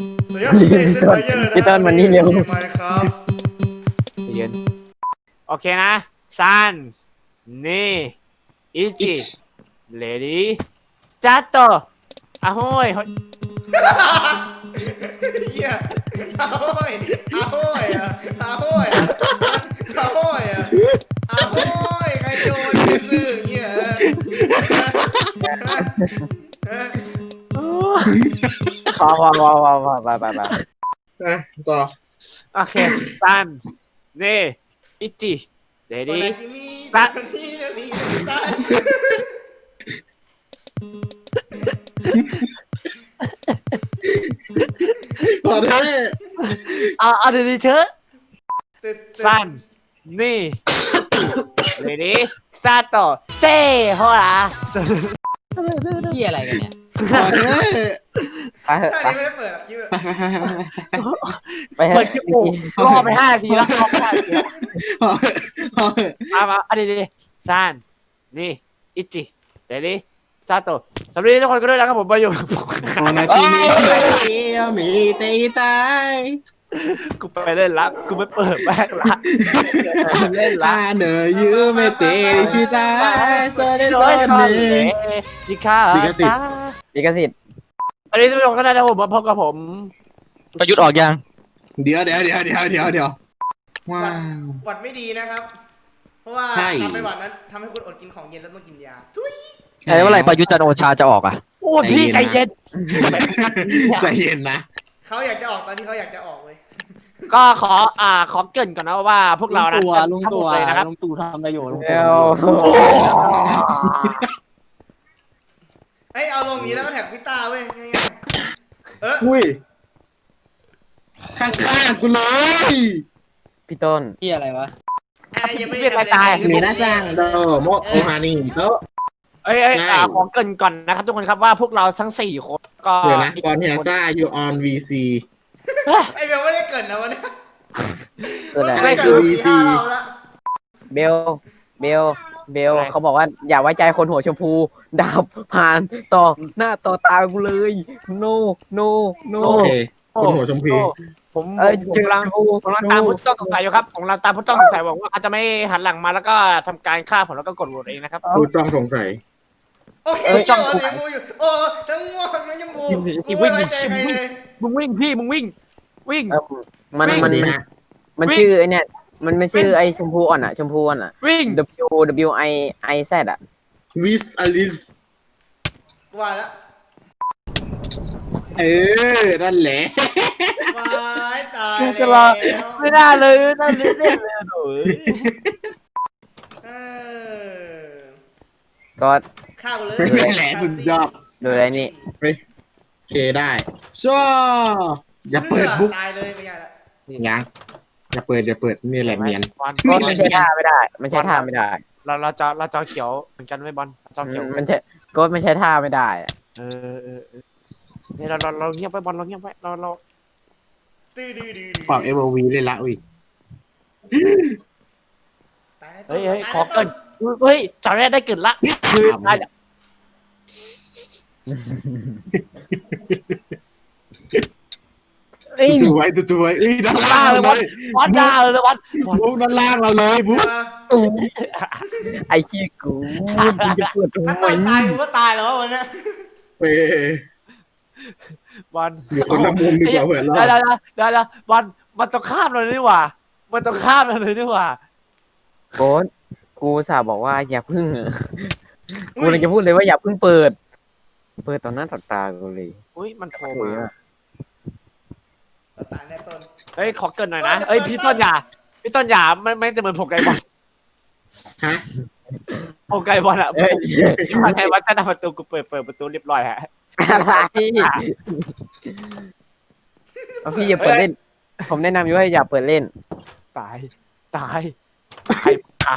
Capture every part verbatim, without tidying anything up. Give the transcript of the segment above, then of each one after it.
สวัสดีครับผมเอกเซนไฟเยอร์นะพี่ต้นวันนี้เร็วไมครับเย็นโอเคนะซันนี่อิจิเลดี้จัตโตอะโฮยเฮียอาโห้ยอาโห้ยอะอาโห้ยอะอาโห้ยอะอาโห้ยใครโดนไปซื้อเงี้ยพอพอพอพอพอไปไปไปอ่ะต่อโอเคซันนี่อิจิเลคนดี้ไหนจิมี่คนนี้จะมีตายพอได้เอาเอาดีๆเถอะซันนี่เลดี้สตาร์ทเจ้โฮล่ะที่อะไรกันเนี่ยพอได้ไปเถอะชาไปตินี้ไม่ได้เปิดหรอกคิดว่าไปเถเปิอะดคลิปกูรอไปห้านาทีแล้วรอไปห้านาทีแล้วพอพอมามาเอาดีๆซันนี่อิจิเลดี้สตาร์ทสวัสดีทุกคนก็ด้วยนะครับผมมาอยู่โอนาชิมิมีเตตายกูไปเล่นละกูไม่เปิดแม่งละเล่นละฮาเนอยูเมเตริชิตายโซเดโซโอ้ยซอนเนเล่จิคาลิขสิทธิ์ลิขสิทธิ์อันนี้ทุกคนก็ได้นะผมมาพบกับผมประยุทธ์ออกยังเดี๋ยวเดี๋ยวเดี๋ยวเดี๋ยวเดี๋ยวเดี๋ยวว้าวหวัดไม่ดีนะครับ เพราะว่าใช่ทำไปหวัดนั้นทำให้คุณอดกินของเย็นแล้วต้องกินยาทุยไอ้เมื่อไหร่ประยุทธ์จันทร์โอชาจะออกอ่ะโอ้พี่ใจเย็นใจเย็นนะเขาอยากจะออกตอนที่เขาอยากจะออกเลยก็ขออ่าขอเกรินก่อนนะว่าพวกเรานะจะลุงทั้งหตัมวดเลยนะครับลุงตู่ทำประโยชน์ลุงเร็ตู่วเฮ้ยเอาลงนี้แล้วก็แท็กพิต้าเว้ยง่ายๆเอออุ้ยข้างๆกูเลยพี่ต้นที่อะไรวะไอ้ยังไม่เรียกอะไรทำตายเลมีหน้าจ้างโดโมโอฮานิโตะเอ้ยเอ้ยใช่อ่าขอเกรินก่อนนะครับทุกคนครับว่าพวกเราทั้งสี่คนก็เดี๋ยวนะก่อนที่จะซ่าอยู่ออนวีซีไอ้เบลไม่ได้เกิดนะวันนี้คืออะไรไม่คือ วี ซีห้ารอบแล้วเบลเบลเบลเขาบอกว่าอย่าไว้ใจคนหัวชมพูดาบผ่านต่อหน้าต่อตากูเลย no no no โอเคคนหัวชมพูผมเอ้ยผมจืดกำลัง ผมกำลังตามผู้ต้องสงสัยอยู่ครับผมกำลังตามผู้ต้องสงสัยหวังว่าเขาจะไม่หันหลังมาแล้วก็ทำการฆ่าผมแล้วก็กดโหวตเองนะครับผู้จ้องสงสัยโอเคเออจ้จ้ออง งกูเสียงกูอยู่โอ้ทั้งง่วงทั้งยังกูวิ่งหนีกูวิ่ไม่งหนีไว้ใจใครเลยมึงวิ่งพี่มึงวิ่ง วิ่งเออมันวิ่งมันดีมันนะมันวิ่งชื่อไอเนี่ยมันไม่ชื่อวิ่งไอชมพูอ่อนอ่ะชมพูอ่อนอ่ะวิ่ง W W I I Z อ่ะวิสอลิสกูว่าแล้วเออ นั่นแหละวายตายจะรอไม่น่าเลยไม่น่าเลยเล่นเลยโอ้ยเออก็ฆ่ากูเลยนั่นแหละสุดยอดดูอะไรนี่โอเคได้ชัวอย่าเปิดบุ๊กตายเลยไม่ใช่ละยังอย่าเปิดอย่าเปิดนี่แหละเนียนบอลก็มันใช้ท่าไม่ได้ มันใช้ท่าไม่ได้เราเราจอเราจอเขียวเหมือนกันไหมบอลจอเขียวมันใช้ก็ไม่ใช้ท่าไม่ได้อะเออเออเออเนี่ยเราเราเราเงียบไปบอลเราเงียบไปเราเราตื้อดื้อดื้อปรับเอฟวีเลยละอุ้ยตายเฮ้ยเฮ้ยตาขอเกินเฮ้ยจอแรกได้เกินละคือได้ เอ้ยจู่ๆไว้จู่ๆไว้เอ้ยด้านล่างเราเลยบอลดาวเลยบอลบอลบุ๊กด้านล่างเราเลยบุ๊กเออไอ้ขี้กูมึงจะเปิดทำถ้าไมตอนตายกูก็ตายแล้ววันเนี้ยเป้บอลอยู่คนละมุมดีกว่าเผื่อรอได้ดได้ได้ได้บอลมันต้องข้ามเราเลยนี่หว่า มันต้องข้ามเราเลยนี่หว่าโค้ดกูสาบอกว่าอย่าพึ่งกูเลยจะพูดเลยว่าอย่าพึ่งเปิด เปิดต่อหน้าต่อตากูเลยอุ้ยมันโผล่โอ้ยมาอะตายแน่ต้นเฮ้ยขอเกินหน่อยนะเฮ้ยพี่ต้นอย่าพี่ต้นอย่าไม่ไม่จะเหมือนผมไก่บอลฮะผมไก่บอลอะเอ้ยมาไงว่าจะทำประตูกูเปิดเปิดประตูเรียบร้อยฮะอะไรเอาพี่อย่าเปิดเล่น ผมแนะนำอยู่ว่าอย่าเปิดเล่นตาย ตาย ตาย ตาย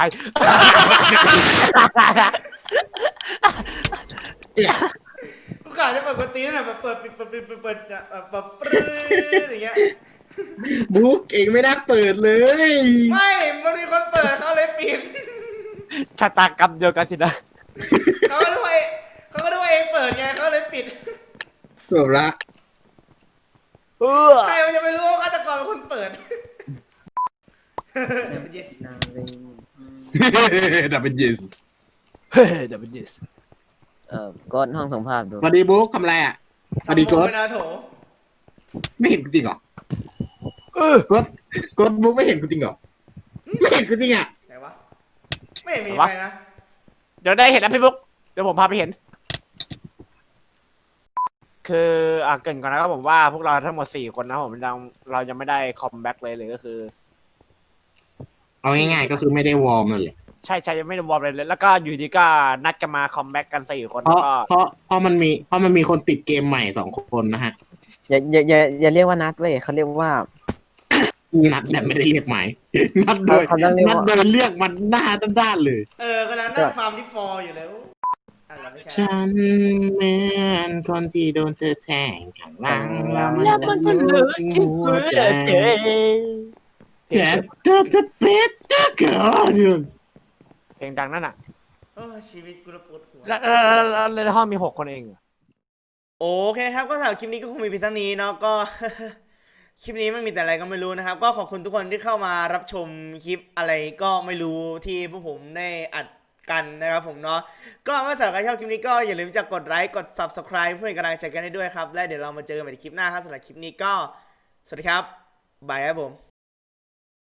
กูกะจะเปิดกวนตีนน่ะแบบเปิดปิดเปิดปิดเปิดเปิดอ่ะแบบแบบปรื้ดอย่างเงี้ยบุ๊กเองไม่ได้เปิดเลยไม่มันมีคนเปิดเขาเลยปิดชะตากรรมเดียวกันสินะเขาก็ด้วยเขาก็ด้วยเองเปิดไงเขาเลยปิดจบละเออใครมันจะไปรู้ว่าฆาตกรเป็นคนเปิดดับเบิลยิสเฮ้ยเดี๋ยวเป็นยิสเออก็ห้องส่งภาพดูสวัสดีบุ๊กทำอะไรอ่ะสวัสดีโกดเป็นอาโถไม่เห็นกูจริงเหรอเออโกดโกดบุ๊กไม่เห็นกูจริงเหรอไม่เห็นกูจริงอ่ะไหนวะไม่เห็นมีใครนะเดี๋ยวได้เห็นนะพี่บุ๊กเดี๋ยวผมพาไปเห็น คืออ่ะเกรินก่อนนะครับผมว่าพวกเราทั้งหมดสี่คนนะผมยังเรายังไม่ได้คอมแบ็กเลยเลยก็คือเอาง่ายๆก็คือไม่ได้วอร์มเลยใช่ใช่ยังไม่ได้วอร์มเลยเลย แล้วก็อยู่ดีก็นัดกันมาคอมแบ็กกันสี่คนเพแล้วราะก็เพราะเพราะมันมีเพราะมันมีคนติดเกมใหม่สองคนนะฮะอย่าอย่าอย่าอย่าเรียกว่านัดเว้ยเขาเรียกว่านัดแบบไม่ได้เรียกหมายนัดโดยเขาต้องเรียกนัดว่าโดยเรียกมันหน้าด้านๆเลยเออกำลังนั่งฟาร์มที่ฟอร์อยู่แล้วอะไรไม่ใช่ฉันเหมือนคนที่โดนเธอแทงข้างหลังแล้วมันแล้วจะมันก็รู้รู้ถึงที่หัหัววใจใจแต่เธอจะเป็นเจ้าเกินเพลงดังนั่นอ่ะโอ้ชีวิตกูระปวดหัวแล้วแล้วแล้วแล้วแล้วในห้องมีหกคนเองเหรอโอเคครับก็สำหรับคลิปนี้ก็คงมีเพียงเท่านี้เนาะก็ คลิปนี้มันมีแต่อะไรก็ไม่รู้นะครับ ก็ขอบคุณทุกคนที่เข้ามารับชมคลิปอะไรก็ไม่รู้ที่พวกผมได้อัดกันนะครับผมเนาะก็เมื่อสำหรับใครชอบคลิปนี้ก็อย่าลืมจะกดไลค์กด ซับสไครบ์ เพื่อเป็นกำลังใจกันให้ด้วยครับและเดี๋ยวเรามาเจอกันใหม่ในคลิปหน้าครับสำหรับคลิปนี้ก็สวัสดีครับบายครับผม